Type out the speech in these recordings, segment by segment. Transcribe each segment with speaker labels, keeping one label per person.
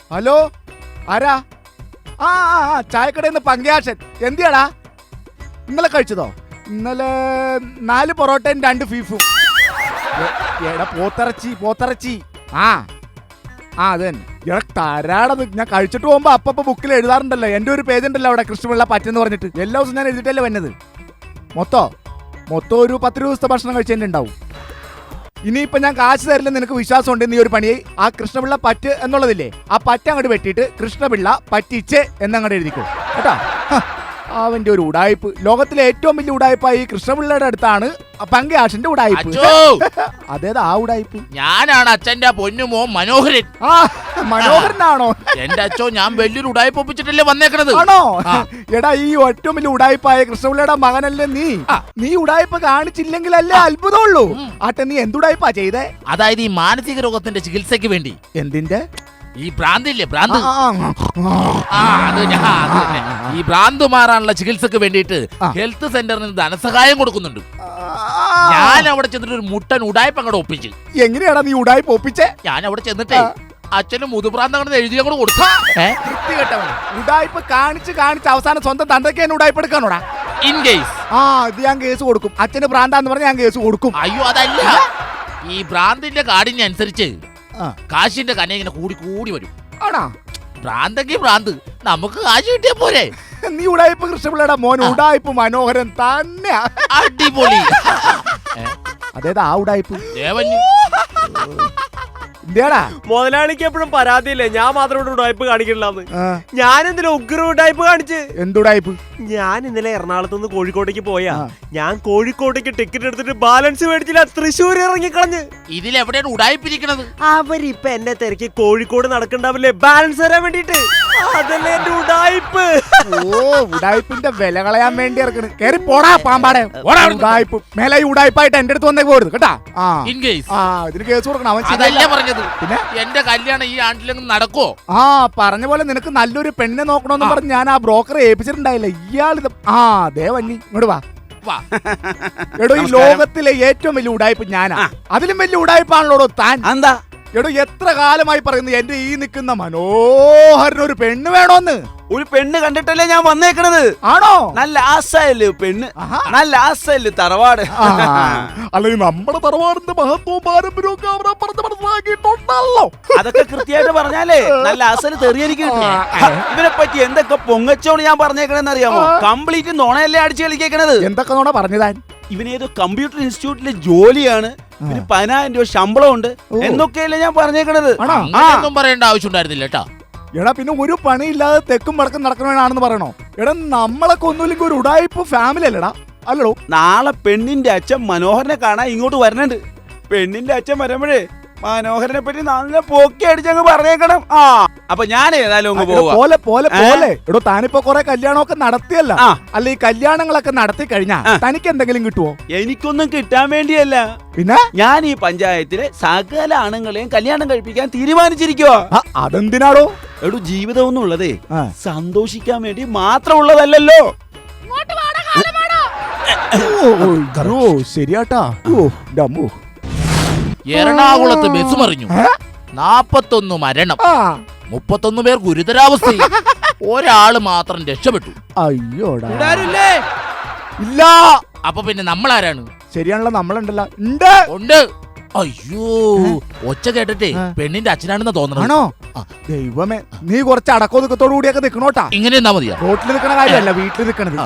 Speaker 1: Hello, ആരാ? ആ ചായക്കടയിൽ നിന്ന് പങ്കാശൻ. എന്തിയാടാ? ഇന്നലെ കഴിച്ചതോ? ഇന്നലെ 4 പൊറോട്ടയും 2 ബീഫും. എടാ പോത്തിറച്ചി. ആ അത് തന്നെ. എടാ തരാടത്. ഞാൻ കഴിച്ചിട്ട് പോകുമ്പോ അപ്പ ബുക്കിൽ എഴുതാറുണ്ടല്ലോ. എന്റെ ഒരു പേജ് ഉണ്ടല്ലോ അവിടെ, കൃഷ്ണപിള്ള പറ്റെന്ന് പറഞ്ഞിട്ട്. എല്ലാ ദിവസവും ഞാൻ എഴുതിട്ടല്ലേ വന്നത്. മൊത്തം ഒരു 10 ദിവസത്തെ ഭക്ഷണം കഴിച്ചതിന്റെ ഉണ്ടാവും. ഇനിയിപ്പൊ ഞാൻ കാശ് തരില്ല, നിനക്ക് വിശ്വാസം ഉണ്ട്, നീ ഒരു പണിയെ ആ കൃഷ്ണപിള്ള പറ്റ് എന്നുള്ളതില്ലേ, ആ പറ്റ അങ്ങോട്ട് വെട്ടിയിട്ട് കൃഷ്ണപിള്ള പറ്റിച്ച് എന്നങ്ങോട്ട് എഴുതിക്കോ കേട്ടാ. അവന്റെ ഒരു ഉടായ്പ്. ലോകത്തിലെ ഏറ്റവും വലിയ ഉടായ്പായി കൃഷ്ണപിള്ളയുടെ അടുത്താണ് പങ്കാശന്റെ ഉടായ്പ്. അതേതാ ആ ഉടായ്പ്?
Speaker 2: ഞാനാണ് അച്ഛന്റെ പൊന്നുമോ മനോഹരൻ.
Speaker 1: ആ മനോഹരനാണോ?
Speaker 2: എന്റെ അച്ഛോ, ഞാൻ വലിയൊരു ഉടായ്പ ഒപ്പിച്ചിട്ടല്ലേ വന്നേക്കണത്.
Speaker 1: ആണോ? എടാ, ഈ ഏറ്റവും വലിയ ഉടായ്പായ കൃഷ്ണപിള്ളയുടെ മകനല്ലേ നീ ഉടായ്പ കാണിച്ചില്ലെങ്കിലല്ലേ അത്ഭുതമുള്ളൂ. ആട്ടെ, നീ എന്തുടായ്പാ ചെയ്തേ?
Speaker 2: അതായത് ഈ മാനസിക രോഗത്തിന്റെ ചികിത്സക്ക് വേണ്ടി.
Speaker 1: എന്തിന്റെ?
Speaker 2: ഈ ഭ്രാന്തില്ലേ, ഭ്രാന്ത്. ഈ ഭ്രാന്ത് മാറാനുള്ള ചികിത്സക്ക് വേണ്ടിയിട്ട് ഹെൽത്ത് സെന്ററിൽ നിന്ന് ധനസഹായം കൊടുക്കുന്നുണ്ട്. ഞാൻ അവിടെ ചെന്നിട്ട് ഒരു മുട്ടൻ ഉടായ്പ അങ്ങോട്ട് ഒപ്പിച്ച്.
Speaker 1: എങ്ങനെയാടാ നീ ഉടായ്പ ഒപ്പിച്ചേ?
Speaker 2: ഞാൻ അവിടെ ചെന്നിട്ടേ അച്ഛന് മുതുഭ്രാന്ത് എഴുതി അങ്ങോട്ട് കൊടുത്തു.
Speaker 1: ഉടായ്പ കാണിച്ച് അവസാനം സ്വന്തം തന്തയ്ക്ക് തന്നെ ഉടായ്പ എടുക്കാനോടാ?
Speaker 2: ഇൻ കേസ്
Speaker 1: ഇത് ഞാൻ കേസ് കൊടുക്കും. അച്ഛന് ഭ്രാന്താന്ന് പറഞ്ഞ ഞാൻ കേസ് കൊടുക്കും.
Speaker 2: അയ്യോ, അതല്ല. ഈ ഭ്രാന്തിന്റെ കാഠിന്യനുസരിച്ച് കാശിന്റെ കന ഇങ്ങനെ കൂടി വരും.
Speaker 1: ആണാ?
Speaker 2: ഭ്രാന്തെങ്കിൽ ഭ്രാന്ത്, നമുക്ക് കാശ് കിട്ടിയ പോരെ.
Speaker 1: നീ ഉടായ്പ കൃഷ്ണപിള്ളയുടെ മോൻ ഉടായ്പ മനോഹരൻ തന്നെ.
Speaker 2: അടിപൊളി.
Speaker 1: അതേതാ ആ ഉടായ്പ?
Speaker 2: ദേവന്
Speaker 3: മുതലാളിക്ക് എപ്പോഴും പരാതിയില്ലേ ഞാൻ മാത്രം ഇവിടെ ഉടായ്പ കാണിക്കണില്ലാന്ന്. ഞാൻ ഇന്നലെ ഉഗ്ര ഉടായ്പ കാണിച്ച്.
Speaker 1: എന്തുടായ്പ?
Speaker 3: ഞാൻ ഇന്നലെ എറണാകുളത്ത് നിന്ന് കോഴിക്കോട്ടേക്ക് പോയാ. ഞാൻ കോഴിക്കോട്ടേക്ക് ടിക്കറ്റ് എടുത്തിട്ട് ബാലൻസ് മേടിച്ചില്ല, തൃശ്ശൂർ ഇറങ്ങിക്കളഞ്ഞ്.
Speaker 2: ഇതിലെവിടെയാണ് ഉടായ്പിരിക്കണത്?
Speaker 3: അവരിപ്പൊ എന്നെ തിരക്കി കോഴിക്കോട് നടക്കണ്ടാവില്ലേ ബാലൻസ് തരാൻ വേണ്ടിട്ട്. അതല്ലേ എന്റെ ഉടായ്പ്.
Speaker 1: ഉടായ്പിന്റെ വില കളയാൻ വേണ്ടി ഇറക്കണ്. കേറി പോടാ പാമ്പാടെ. ഉടായ്പ മേലെ ഉടായ്പായിട്ട് എന്റെ അടുത്ത് വന്നേ പോരുത് കേട്ടാ. ഇതിന് കേസ് കൊടുക്കണം. അവൻ
Speaker 2: അതല്ലേ പറഞ്ഞത്. പിന്നെ എന്റെ കല്യാണം ഈ ആണ്ടിലെങ്കിലും നടക്കോ?
Speaker 1: പറഞ്ഞ പോലെ നിനക്ക് നല്ലൊരു പെണ്ണിനെ നോക്കണോന്ന് പറഞ്ഞ് ഞാൻ ആ ബ്രോക്കറെ ഏൽപ്പിച്ചിട്ടുണ്ടായില്ല. ഇയാളിത് ദേവന്നി ഇങ്ങോട്ട് വാ. എടോ, ഈ ലോകത്തിലെ ഏറ്റവും വലിയ ഉടായ്പ ഞാനാ. അതിലും വലിയ ഉടായ്പാണല്ലോ താൻ. എന്താ? എടോ, എത്ര കാലമായി പറയുന്നു എന്റെ ഈ നിൽക്കുന്ന മനോഹരനൊരു പെണ്ണ് വേണോന്ന്.
Speaker 4: ഒരു പെണ്ണ് കണ്ടിട്ടല്ലേ ഞാൻ വന്നേക്കണത്.
Speaker 1: ആണോ?
Speaker 4: നല്ല ആസയല്ലേ പെണ്ണ്, നല്ല ആസയല്ലേ തറവാട്.
Speaker 1: അല്ലെങ്കിൽ നമ്മുടെ തറവാടിന്റെ മഹത്വവും പാരമ്പര്യവും മനസ്സിലാക്കിയിട്ടുണ്ടല്ലോ.
Speaker 4: അതൊക്കെ കൃത്യമായിട്ട് പറഞ്ഞാലേ നല്ല ആസല് തെറിയിരിക്കും. ഇവനെ പറ്റി എന്തൊക്കെ പൊങ്ങച്ചോട് ഞാൻ പറഞ്ഞേക്കണെന്ന് അറിയാമോ? കംപ്ലീറ്റ് നോണയല്ലേ അടിച്ചു കളിക്കേക്കണത്.
Speaker 1: എന്തൊക്കെ നോണ പറഞ്ഞതാൻ?
Speaker 4: ഇവനേതോ കമ്പ്യൂട്ടർ ഇൻസ്റ്റിറ്റ്യൂട്ടിലെ ജോലിയാണ്, 10,000 രൂപ ശമ്പളം ഉണ്ട് എന്നൊക്കെയല്ലേ ഞാൻ പറഞ്ഞേക്കണത്.
Speaker 2: ഒന്നും പറയേണ്ട ആവശ്യം ഉണ്ടായിരുന്നില്ല കേട്ടാ.
Speaker 1: എടാ, പിന്നെ ഒരു പണിയില്ലാതെ തെക്കും വടക്കും നടക്കണവനാണെന്ന് പറയണോ? എടാ, നമ്മളൊക്കെ ഒന്നുമില്ലെങ്കിൽ ഒരു ഉടായ്പ ഫാമിലി അല്ലടാ. അല്ലടോ,
Speaker 4: നാളെ പെണ്ണിന്റെ അച്ഛൻ മനോഹരനെ കാണാൻ ഇങ്ങോട്ട് വരണുണ്ട്. പെണ്ണിന്റെ അച്ഛൻ വരുമ്പോഴേ മനോഹരനെ പറ്റി നല്ല പൊക്കി അടിച്ചങ്ങ് പറഞ്ഞേക്കണം. അപ്പൊ ഞാൻ ഏതായാലും
Speaker 1: പോലെ എടോ, താനിപ്പോ കൊറേ കല്യാണമൊക്കെ നടത്തിയല്ല. അല്ല, ഈ കല്യാണങ്ങളൊക്കെ നടത്തി കഴിഞ്ഞാ തനിക്ക് എന്തെങ്കിലും കിട്ടുവോ?
Speaker 4: എനിക്കൊന്നും കിട്ടാൻ വേണ്ടിയല്ല,
Speaker 1: പിന്നെ ഞാൻ
Speaker 4: ഈ പഞ്ചായത്തിലെ സകല ആണുങ്ങളെയും കല്യാണം കഴിപ്പിക്കാൻ തീരുമാനിച്ചിരിക്കുവോ.
Speaker 1: അതെന്തിനാടോ?
Speaker 4: എടോ, ജീവിതം എന്നുള്ളതേ സന്തോഷിക്കാൻ വേണ്ടി മാത്രമുള്ളതല്ലോ.
Speaker 1: ശരിയാട്ടാ.
Speaker 2: എറണാകുളത്ത് ബസ് മറിഞ്ഞു, 41 മരണം, 31 പേർ ഗുരുതരാവസ്ഥ, ഒരാള് മാത്രം രക്ഷപ്പെട്ടു.
Speaker 1: അയ്യോടാ,
Speaker 2: ഇല്ല. അപ്പൊ പിന്നെ നമ്മളാരാണ്?
Speaker 1: ശരിയാണല്ലോ, നമ്മളുണ്ടല്ലോ.
Speaker 2: ഉണ്ട്. അയ്യോ, ഒച്ച കേട്ടിട്ടേ പെണ്ണിന്റെ അച്ഛനാണെന്ന് തോന്നണോ?
Speaker 1: ദൈവമേ, നീ കുറച്ച് അടക്കോ നിക്കത്തോടു കൂടിയൊക്കെ നിക്കണോട്ടാ.
Speaker 2: ഇങ്ങനെ നിന്നാ മതിയാ.
Speaker 1: റോട്ടിൽ നിൽക്കണ കാര്യമല്ല, വീട്ടിൽ നിൽക്കണത്.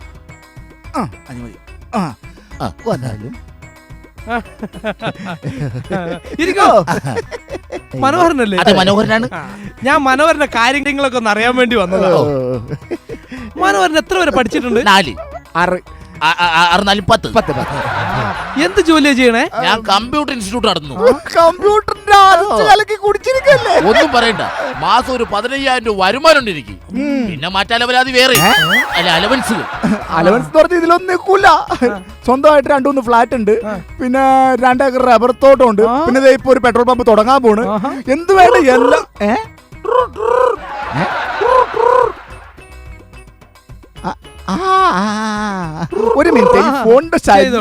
Speaker 3: മനോഹരനല്ലേ?
Speaker 2: അതെ, മനോഹരനാണ്.
Speaker 3: ഞാൻ മനോഹരന്റെ കാര്യങ്ങളൊക്കെ ഒന്ന് അറിയാൻ വേണ്ടി വന്നതാ. മനോഹരൻ എത്ര വരെ പഠിച്ചിട്ടുണ്ട്?
Speaker 2: 4, 6, 10.
Speaker 3: എന്ത് ജോലിയാ ചെയ്യണേ?
Speaker 2: ഞാൻ കമ്പ്യൂട്ടർ ഇൻസ്റ്റിറ്റ്യൂട്ട് നടത്തുന്നു. ഒന്നും പറയണ്ട, മാസം ഒരു 15,000 രൂപ വരുമാനം എനിക്ക്. പിന്നെ മറ്റലവരാതി വേറെ അലവൻസ്.
Speaker 1: അലവൻസ് പറഞ്ഞ ഇതിലൊന്നും നിൽക്കൂല. സ്വന്തമായിട്ട് 2-3 ഫ്ലാറ്റ് ഉണ്ട്, പിന്നെ 2 ഏക്കർ റബ്ബർ തോട്ടം ഉണ്ട്, പിന്നെ ഇപ്പൊ ഒരു പെട്രോൾ പമ്പ് തുടങ്ങാൻ പോണ്. എന്ത് വേണ്ട എല്ലാം. ഒരു മിനിറ്റ്, ഈ ഫോണിന്റെ സൈഡ്.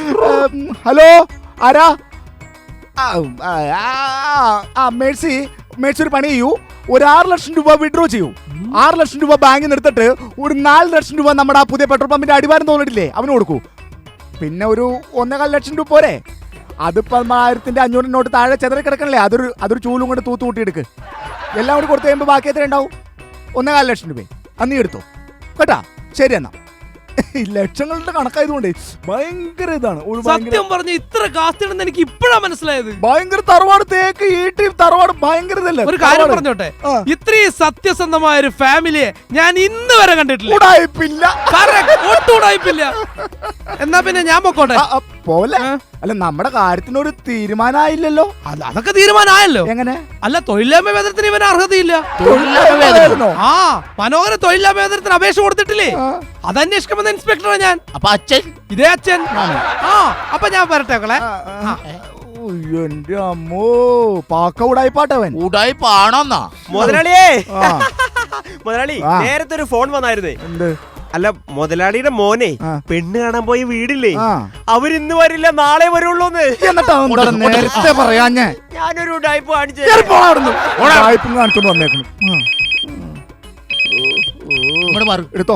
Speaker 1: ഹലോ, ആരാ? മേഴ്സി, മേടിച്ചൊരു പണി ചെയ്യൂ, ഒരു 6 ലക്ഷം രൂപ വിഡ്രോ ചെയ്യൂ. 6 ലക്ഷം രൂപ ബാങ്കിൽ നിന്ന് എടുത്തിട്ട് ഒരു 4 ലക്ഷം രൂപ നമ്മുടെ ആ പുതിയ പെട്രോൾ പമ്പിന്റെ അടിവാരം തോന്നിട്ടില്ലേ അവന് കൊടുക്കൂ. പിന്നെ ഒരു 1.25 ലക്ഷം രൂപ പോരെ. അതിപ്പോ 1500 നോട്ട് താഴെ ചെതറി കിടക്കണല്ലേ, അതൊരു ചൂലും കൊണ്ട് തൂത്ത് കൂട്ടിയെടുക്ക്. എല്ലാം കൂടി കൊടുത്തു കഴിയുമ്പോൾ ബാക്കി എത്ര ഉണ്ടാവും? 1.25 ലക്ഷം രൂപ. അന്ന് നീ എടുത്തോ കേട്ടാ. ശരി എന്നാ. ഈ ലക്ഷങ്ങളുടെ കണക്കായതുകൊണ്ട് ഭയങ്കര ഇതാണ്.
Speaker 5: സത്യം പറഞ്ഞ ഇത്ര കാസ്റ്റിടുന്ന എനിക്ക് ഇപ്പഴാ മനസ്സിലായത്.
Speaker 1: ഭയങ്കര തറവാട്, തേക്ക് ഈട്ടി തറവാട് ഭയങ്കര ഇതല്ലേ.
Speaker 5: ഒരു കാര്യം പറഞ്ഞോട്ടെ, ഇത്രയും സത്യസന്ധമായ ഒരു ഫാമിലിയെ ഞാൻ ഇന്ന് വരെ കണ്ടിട്ടില്ല.
Speaker 1: ഉടായിപ്പില്ല.
Speaker 5: ഒട്ടും ഉടായിപ്പില്ല. എന്നാ പിന്നെ ഞാൻ പൊക്കോട്ടെ.
Speaker 1: പോലെ അല്ല, നമ്മുടെ കാര്യത്തിനൊരു തീരുമാനമായില്ലല്ലോ.
Speaker 5: അല്ല, അതൊക്കെ തീരുമാനമായല്ലോ.
Speaker 1: എങ്ങനെ?
Speaker 5: അല്ല, തൊഴിലില്ലായ്മ വേതനത്തിന് ഇവന് അർഹതയില്ല. ആ, മനോഹര തൊഴിലില്ലായ്മ വേതനത്തിന് അപേക്ഷ കൊടുത്തിട്ടില്ലേ? അതന്വേഷിക്കുമെന്ന് ഇൻസ്പെക്ടറാ ഞാൻ.
Speaker 2: അപ്പൊ അച്ഛൻ?
Speaker 5: ഇതേ അച്ഛൻ. ആ, അപ്പൊ ഞാൻ വരട്ടെ.
Speaker 1: എന്റെ അമ്മോ, പാക്ക ഉടായിപ്പാട്ടവൻ.
Speaker 2: ഉടായിപ്പാണോന്നാ?
Speaker 3: മുതലാളിയേ, മുതലാളി നേരത്തെ ഒരു ഫോൺ വന്നായിരുന്നേ.
Speaker 1: എന്ത്?
Speaker 3: അല്ല, മുതലാളിയുടെ മോനെ പെണ്ണ് കാണാൻ പോയി വീടില്ലേ, അവരിന്ന് വരില്ല നാളെ വരുള്ളൂന്ന്.
Speaker 1: എന്നിട്ട് നേരത്തെ പറയാഞ്ഞേ?
Speaker 3: ഞാനൊരു ഉടായിപ്പ് കാണിച്ചു
Speaker 1: കാണിച്ചോണ്ട് വന്നേക്കുന്നു. എടുത്തോ.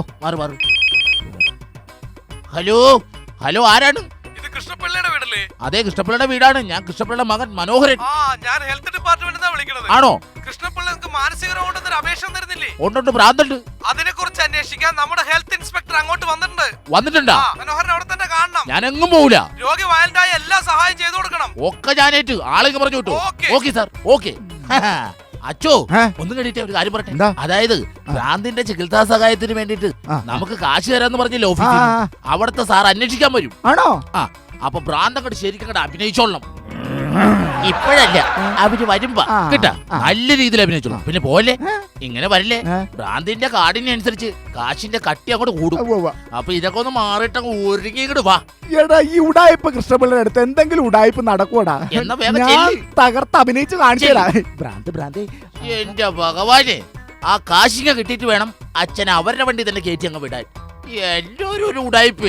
Speaker 2: ഹലോ ഹലോ, ആരാണ്?
Speaker 5: ഇത് കൃഷ്ണപിള്ളയുടെ വീടല്ലേ?
Speaker 2: അതെ, കൃഷ്ണപിള്ളയുടെ വീടാണ്. ഞാൻ കൃഷ്ണപിള്ളയുടെ മകൻ മനോഹരൻ.
Speaker 5: ഞാൻ ഹെൽത്ത് ഡിപ്പാർട്ട്മെന്റിനാ വിളിക്കുന്നത്.
Speaker 2: ആണോ?
Speaker 5: കൃഷ്ണപിള്ളക്ക് മാനസിക രോഗത്തിന് അപേക്ഷ തരുന്നില്ലേ?
Speaker 2: ഉണ്ട്, ഭ്രാന്തുണ്ട്.
Speaker 5: അതിനെ കുറിച്ച് അന്വേഷിക്കാൻ നമ്മുടെ ഹെൽത്ത് ഇൻസ്പെക്ടർ അങ്ങോട്ട്
Speaker 2: വന്നിട്ടുണ്ടാ?
Speaker 5: മനോഹരൻ അവിടെ തന്നെ കാണണം.
Speaker 2: ഞാൻ എങ്ങും പോവില്ല.
Speaker 5: രോഗി വയലന്റായ എല്ലാ സഹായം ചെയ്തു കൊടുക്കണം.
Speaker 2: ഒക്കെ ഞാനേറ്റ് ആളെങ്കിൽ പറഞ്ഞു വിട്ടു. Okay sir, okay. അച്ചോ, ഒന്നും കണ്ടിട്ട് ഒരു കാര്യം പറയട്ടെ. അതായത് ഭ്രാന്തിന്റെ ചികിത്സാ സഹായത്തിന് വേണ്ടിട്ട് നമുക്ക് കാശ് തരാന്ന് പറഞ്ഞില്ല ഓഫീസിൽ. അവിടുത്തെ സാർ അന്വേഷിക്കാൻ വരും.
Speaker 1: ആണോ?
Speaker 2: അപ്പൊ ഭ്രാന്ത് അങ്ങോട്ട് ശരിക്കും അങ്ങോട്ട് അഭിനയിച്ചോളണം. ഇപ്പോഴല്ല, അവര് വരുമ്പോ കേട്ടാ നല്ല രീതിയിൽ അഭിനയിച്ചോളണം. പിന്നെ പോലെ ഇങ്ങനെ വരില്ലേ, ഭ്രാന്തിന്റെ കാർഡിനനുസരിച്ച് കാശിന്റെ കട്ടി അങ്ങോട്ട് കൂടും. അപ്പൊ ഇതൊക്കെ ഒന്ന് മാറിയിട്ട് ഒരുങ്ങി ഇങ്ങോട്ട് വാ.
Speaker 1: എടാ, ഈ ഉടായ്പ കൃഷ്ണപിള്ളയുടെ അടുത്ത് എന്തെങ്കിലും ഉടായ്പ നടക്കൂടാ?
Speaker 2: എന്നാ വേഗം
Speaker 1: ഞാൻ തകർത്ത് അഭിനയിച്ച് കാണിച്ചു. ഭ്രാന്ത്.
Speaker 2: എന്റെ ഭഗവാനെ, ആ കാശിങ്ങ കിട്ടിയിട്ട് വേണം അച്ഛൻ അവരുടെ വണ്ടി തന്നെ കയറ്റി അങ്ങ് വിടാൻ. എല്ലാരും ഒരു ഉടായ്പ.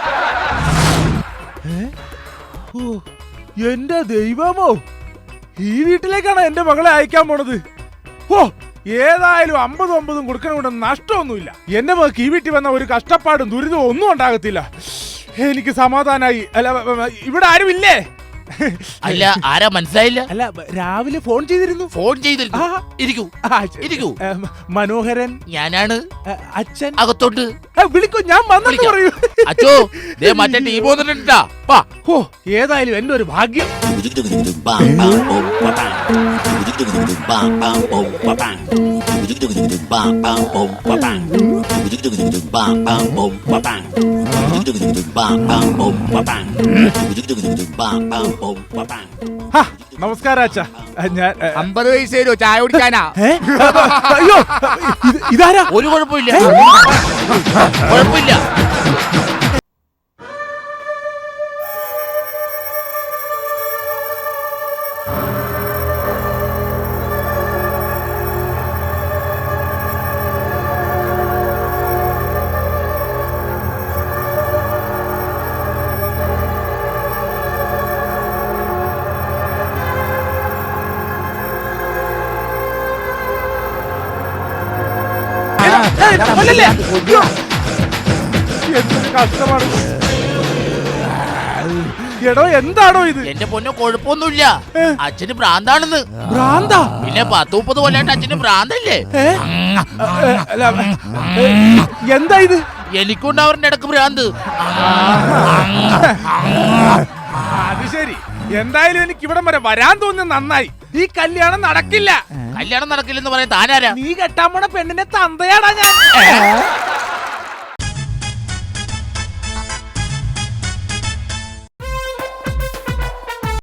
Speaker 6: എന്റെ ദൈവമോ, ഈ വീട്ടിലേക്കാണ് എന്റെ മകളെ അയക്കാൻ പോണത്. ഓ, ഏതായാലും 50-50 കൊടുക്കണ നഷ്ടമൊന്നുമില്ല. എന്റെ മകൾക്ക് ഈ വീട്ടിൽ വന്ന ഒരു കഷ്ടപ്പാടും ദുരിതവും ഒന്നും ഉണ്ടാകത്തില്ല. എനിക്ക് സമാധാനായി. അല്ല, ഇവിടെ ആരുമില്ലേ?
Speaker 2: അല്ല, ആരാ മനസ്സിലായില്ല?
Speaker 6: അല്ല, രാവിലെ ഫോൺ ചെയ്തിരുന്നു.
Speaker 2: ഇരിക്കൂ.
Speaker 6: മനോഹരൻ
Speaker 2: ഞാനാണ്.
Speaker 6: അച്ഛൻ
Speaker 2: അകത്തോട്ട്
Speaker 6: വിളിക്കൂ, ഞാൻ വന്നെന്ന് പറയൂ.
Speaker 2: അച്ചോ, മറ്റേ ടീം വന്നിട്ടാ.
Speaker 6: ഓ, ഏതായാലും എന്റെ ഒരു ഭാഗ്യം. നമസ്കാരം അച്ഛാ. ഞാൻ
Speaker 1: 50 പൈസ തരുമോ ചായ കുടിക്കാനാ?
Speaker 6: അയ്യോ, ഇതാരാ?
Speaker 2: ഒരു കുഴപ്പമില്ല.
Speaker 6: എന്തൊരു കഷ്ടമാണ്. എടോ, എന്താണോ ഇത്?
Speaker 2: എന്റെ പൊന്നോ, കുഴപ്പമൊന്നുമില്ല. അച്ഛന് ഭ്രാന്താണെന്ന്.
Speaker 6: ഭ്രാന്താ?
Speaker 2: പിന്നെ 10-30 കൊല്ലായിട്ട് അച്ഛന് ഭ്രാന്തല്ലേ?
Speaker 6: എന്താ ഇത്?
Speaker 2: എനിക്കുണ്ടാവരുടെ ഇടക്ക് ഭ്രാന്ത്.
Speaker 6: അത് ശരി. എന്തായാലും എനിക്ക് ഇവിടം വരെ വരാൻ തോന്നുന്നത് നന്നായി. ഈ കല്യാണം നടക്കില്ല.
Speaker 2: കല്യാണം നടക്കില്ലെന്ന് പറയാൻ താനാരാ?
Speaker 6: നീ കെട്ടാൻ പോണ പെണ്ണിനെ തന്തയാടാ ഞാൻ.